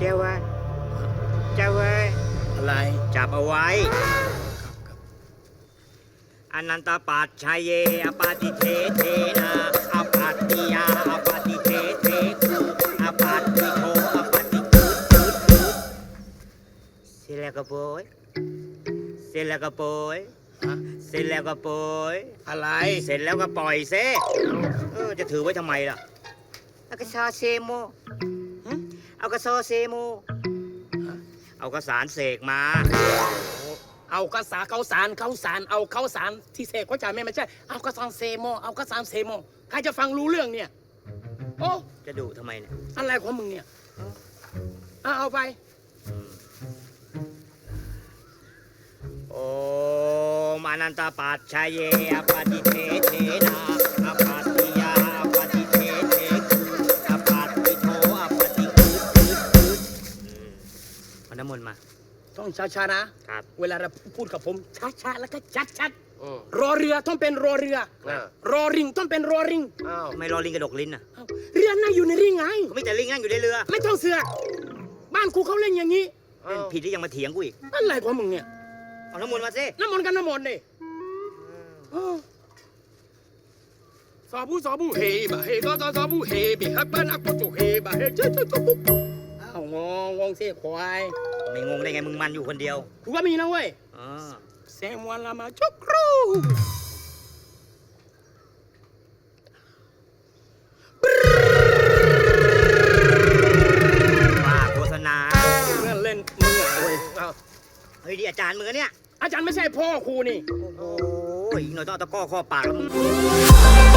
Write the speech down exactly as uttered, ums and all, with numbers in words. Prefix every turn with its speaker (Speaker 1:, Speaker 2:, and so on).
Speaker 1: จ้าว่าเจ้าเว้ย
Speaker 2: อะไร
Speaker 1: จับเอาไว้อนันตปัจชัยเยอปาติเทเทนาอปัตติยาอปาติเทเทคูอปัตติโทอปาติคูคูคูเสร็จแล้วก็โปยเสร็จแล้วก็โปย
Speaker 2: ฮะ
Speaker 1: เสร็จแล้วก็โปย
Speaker 2: อะไร
Speaker 1: เสร็จแล้วก็ปล่อยเซเออจะถือไว้ทำไมล่ะเอากระซอเซโมเอากระซอเซโมเอากระสารเสกมา
Speaker 2: เอากระสาเขาสารเขาสารเอาเขาสารที่เสกเขาจ่ายไม่ไม่ใช่เอากระสานเซโมเอากระสานเซโมใครจะฟังรู้เรื่องเนี่ยโอ้
Speaker 1: จะดุทำไมเนี่ย
Speaker 2: อะไรของมึงเนี่ยเอาเอาไป
Speaker 1: โอมอนันตปัจชัยเยอปาติเทเทนาอปัตติยาอปาติเทเทคูอปัตติโทอปาติคูคูคูเอาน้ำมนต์มา
Speaker 2: ต้องช้าๆนะครับ เวลาเราพูดกับผมช้าๆแล้วก็ชัดๆรอเรือต้องเป็นรอเรือ รอริงต้องเป็นรอริง
Speaker 1: ทำไมรอลิงกระดกลิ้นอ่ะ
Speaker 2: เอ้าเรือน่าอยู่ในริงไง
Speaker 1: ก็ไม่แต่ลิงนั่งอยู่ในเรือ
Speaker 2: ไม่ต้องเสือกบ้านกูเขาเล่นอย่างนี้
Speaker 1: เล่นผิดที่ยังมาเถียงกูอีก
Speaker 2: อะไรของมึงเนี่ย
Speaker 1: เอาน้ำมนต์มาสิ
Speaker 2: น้ำมนต์กันน้ำมนต์ดิเออสาบูสาบูเฮบะเฮก็สาบูเฮบิฮับบ้านอักจุเฮบะเฮเจ้าเจ้าเจ้าปุ๊บอ้าวงงงงเสียควาย
Speaker 1: ไม่งงได้ไงมึงมันอยู่คนเดียว
Speaker 2: กูก็มีนะเว้ย
Speaker 1: อ๋อ
Speaker 2: เซมวันละมาจุกครู
Speaker 1: ว่าโฆษณา
Speaker 2: เล่นเล่นมึงอ่ะเว้ยเอา
Speaker 1: เฮ้ยดีอาจารย์มึงอะเนี่ย
Speaker 2: อาจารย์ไม่ใช่พ่อครูนี่
Speaker 1: โอ้โหอีกหน่อยต้องเอาตะกร้อข้อปากแล้วมึง